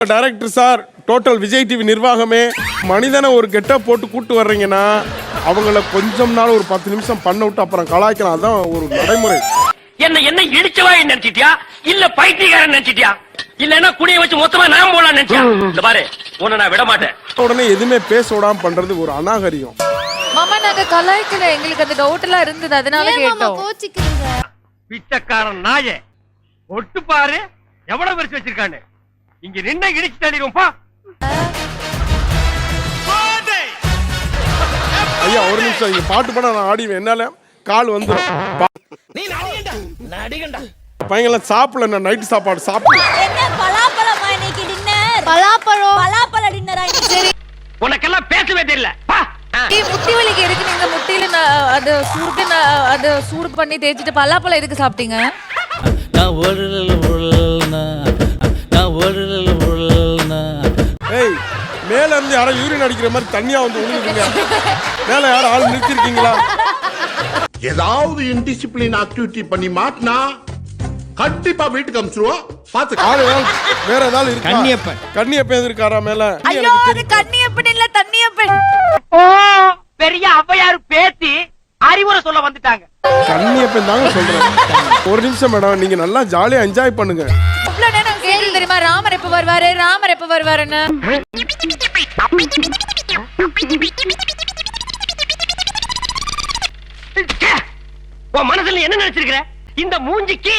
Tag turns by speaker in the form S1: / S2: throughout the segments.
S1: Director sir, total Vijay TV நிர்வாகமே, மனிதனை ஒரு கெட்டப் போட்டு கூட்டு வர்றீங்கன்னா அவங்கள கொஞ்சம் நாள் ஒரு 10 நிமிஷம் பண்ண விட்டு அப்புறம் கலாய்க்கலாம். அதான் ஒரு நடைமுறை.
S2: என்ன இடிச்சவா நினைச்சிட்டியா இல்ல பைத்தியக்காரன் நினைச்சிட்டியா இல்லன்னா குடிய வச்சு மொத்தமா நான் போலாம் நினைச்சியா? இந்த பாரு, உன்னை நான் விட மாட்டேன்.
S1: உடனே எதுவுமே பேச விடாம பண்றது ஒரு அநாகரியம்.
S3: மாமா நாங்க கலாய்க்கல, எங்களுக்கு அந்த டவுட் எல்லாம் இருந்தது, அதனால கேட்டோம்.
S2: பிச்சைக்காரன் நாயே, ஒட்டு பாரு எவ்வளவு பெருசு வச்சிருக்கானு. இங்க நின்ன இடிச்சு தள்ளிடுவோம்பா.
S1: ஐயா ஒரு நிமிஷம், இங்க பாட்டு பண்ண நான் ஆடிவேன், என்னால கால் வந்துடும். பையங்களாம் சாப்பிடல, நான் நைட்டு சாப்பாடு சாப்பிடல.
S2: உனக்கெல்லாம் பேசவே தெரியல.
S3: முட்டி வலிக்கு இருக்கு, நீங்க முட்டியில அது சூடு பண்ணி தேய்ச்சிட்டு பலாப்பழம் எதுக்கு சாப்பிட்டீங்க?
S1: ஏய், மேல இருந்து யாரும் யூரின் அடிக்கிற மாதிரி தண்ணியா வந்து விழுந்துருங்க. மேல யாரும் ஆள் நிறுத்திருக்கீங்களா?
S4: ஏதாவது இன்டிசிப்ளின் ஆக்டிவிட்டி பண்ணி மாட்டினா கண்டிப்பா வீட்டுக்கு அனுப்பிச்சிருவோம். பாத்து
S1: ஆளு வேற ஏதாவது இருக்கா? கண்ணியப்பன் இருக்காரா மேல?
S3: ஐயோ, அது கண்ணியப்பன் இல்ல, தண்ணியப்பன்.
S2: ஓ, பெரிய ஔவையார் பேத்தி அறிவுரை சொல்ல வந்துட்டாங்க.
S1: கண்ணியப்பன் தாங்க சொல்றேன். ஒரு நிமிஷம் மேடம், நீங்க நல்லா ஜாலியா என்ஜாய் பண்ணுங்க.
S3: இவ்வளவு நேரம் கேள்வி தெரியுமா, ராமர் எப்ப வருவாரு, ராமர் எப்ப வருவாருன்னு.
S2: உன் மனசுல என்ன நினைச்சிருக்கிற? இந்த மூஞ்சிக்கு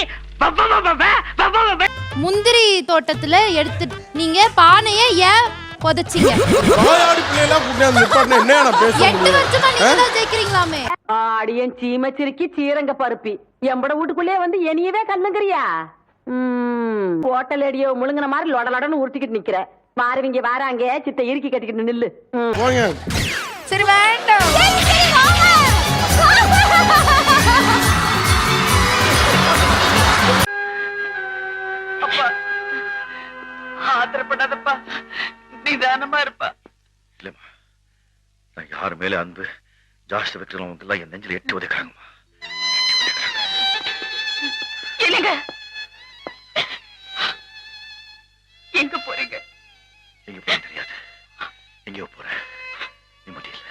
S5: முந்திரி தோட்டத்துல எடுத்து நீங்க பானையை ஏன் புதைச்சீங்க?
S1: வாயாடி பிள்ளைலாம் கூட்டியாந்து நிப்பாட்டினா என்ன நான் பேசுறேன்?
S5: 8 வருஷமா நீங்க தான் ஜெயிக்கிறீங்களாமே.
S6: ஆடியன் சீமச்சிருக்கி சீரங்க பருப்பி எம்பட வீட்டுக்குள்ளே வந்து என்னையவே கண்ணுங்கறியா? ஹோட்டல் அடியோ முழுங்கின மாதிரி லொடலொடன்னு உருட்டிக்கிட்டு நிக்கிற. மாறுவீங்க வாராங்க, சித்த இறுக்கி கட்டிக்கிட்டு நில்லு.
S1: போங்க.
S3: சரி வேண்டாம்.
S2: ஆத்திரப்படாதப்பா, நிதானமா இருப்பா.
S7: இல்லம்மா, நான் யாரு மேல அன்பு ஜாஸ்தி வைக்கிறவங்க எல்லாம் என் நெஞ்சில் எட்டு உதைக்கிறாங்கம்மா.
S2: இல்லைங்க, எங்க போறீங்க?
S7: எங்க போற தெரியாது. எங்கேயோ போறேன், நிம்மதி இல்ல.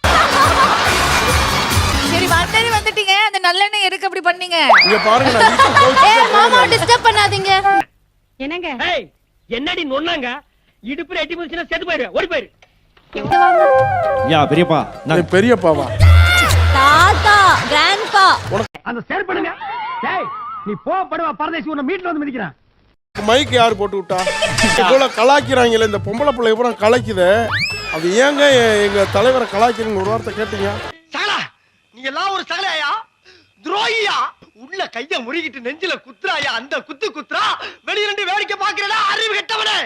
S3: சரி வந்துட்டீங்க, அந்த நல்லெண்ணெய் எதுக்கு அப்படி பண்ணீங்க?
S1: இங்க பாருங்க, நான் வீட்டுக்கு போய்
S5: மாமா டிஸ்டர்ப் பண்ணாதீங்க.
S6: என்னங்க
S2: என்னடி நொன்னாங்க? இடுப்புல எட்டி போச்சுன்னா செத்து போயிரு, ஓடி போயிரு.
S8: யா பெரியப்பா,
S1: நான் பெரியப்பாவா?
S5: தாத்தா கிராண்ட்பா.
S2: அந்த சேர் பண்ணுங்க. டேய், நீ படுவா பரதேசி, உன்னை மீட்ல வந்து மிதிக்கிறான்.
S1: மைக் யார் போட்டு விட்டா? இவ்வளவு கலாய்க்கிறாங்களே, இந்த பொம்பளை பிள்ளை பூரா கலாய்க்குது. அது ஏங்க எங்க தலைவரை கலாய்க்கிறீங்க? ஒரு வார்த்தை கேட்டீங்க?
S2: சகலா, நீ எல்லாம் ஒரு சகலையா? துரோகியா? உள்ள கைய முறிக்கிட்டு நெஞ்சில குத்துறாயா? அந்த குத்துறா வெளிய ரெண்டு வேடிக்கை பாக்குறடா, அறிவு கெட்டவனே.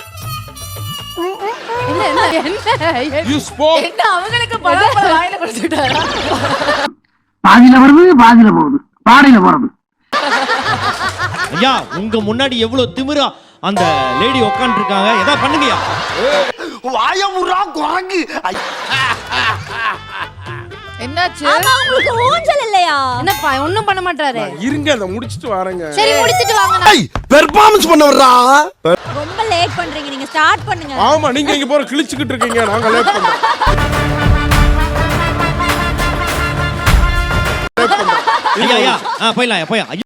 S1: You spoke.
S3: என்ன அவங்களுக்கு பலாப்பழம் வாயில கொடுத்துட்டாரா?
S6: பாதியில வருது, பாதியில போகுது, பாடையில போறது.
S8: ஐயா உங்க முன்னாடி எவ்வளவு திமிரா அந்த லேடி உட்கார்ந்து இருக்காங்க, ஏதா பண்ணுங்கயா.
S2: வாயமுறா குரங்கு.
S3: என்னாச்சு?
S5: ஆமா, உங்களுக்கு ஊஞ்சல் இல்லையா? என்னப்பா ஒண்ணும் பண்ண மாட்டாரு.
S1: இருங்க, அத முடிச்சிட்டு வரேங்க.
S5: சரி முடிச்சிட்டு வாங்க.
S4: பெர்ஃபார்மன்ஸ் பண்ண வர்றா.
S5: ரொம்ப லேட் பண்றீங்க, நீங்க ஸ்டார்ட் பண்ணுங்க.
S1: ஆமா, நீங்க இங்க போற கிழிச்சுக்கிட்டு இருக்கீங்க, நாங்க லேட் பண்றோம்.
S8: ஐயா போயிடலாம்.